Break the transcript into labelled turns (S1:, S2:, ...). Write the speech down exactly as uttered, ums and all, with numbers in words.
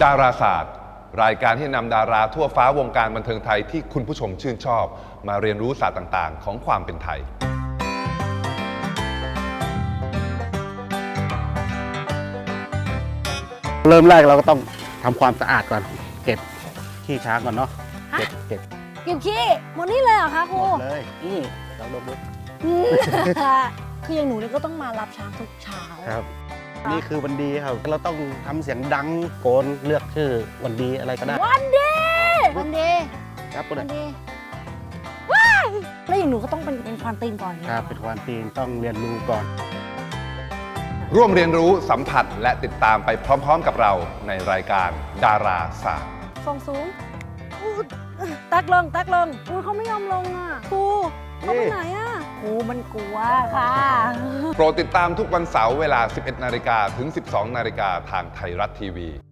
S1: ดาราศาสตร์รายการที่นำดาราทั่วฟ้าวงการบันเทิงไทยที่คุณผู้ชมชื่นชอบมาเรียนรู้ศาสตร์ต่างๆของความเป็นไทย
S2: เริ่มแรกเราก็ต้องทำความสะอาดก่อนเก็บขี้ช้างก่อนเนาะเก็บเก็บ
S3: เก็บขี้หมดนี่เลยเหรอคะค
S2: ห
S3: รู
S2: มดเลยนี่ลองดูดู
S3: อืมคืออย่างหนูเนี่ยก็ต้องมารับช้างทุกเช้า
S2: ครับนี่คือวันดีครับเราต้องทำเสียงดังโกนเลือกชื่อวันดีอะไรก็ได้
S3: วันดีวันดี
S2: ครับคุณ
S3: วันดีว้ายแล้วอย่างหนูก็ต้องเป็นเป็นควานตีนก่อนเนี่ย
S2: ครับเป็นความตีนต้องเรียนรู้ก่อน
S1: ร่วมเรียนรู้สัมผัสและติดตามไปพร้อมๆกับเราในรายการดาราศาสตร์
S3: ทรงสูงอู้ตักลงตักลงอุ้ยเขาไม่ยอมลงอ่ะครูเขาไปไหนอ่ะครูมันกลัวค่ะ
S1: โปรดติดตามทุกวันเสาร์เวลา สิบเอ็ดนาฬิกาถึง สิบสองนาฬิกาทางไทยรัฐทีวี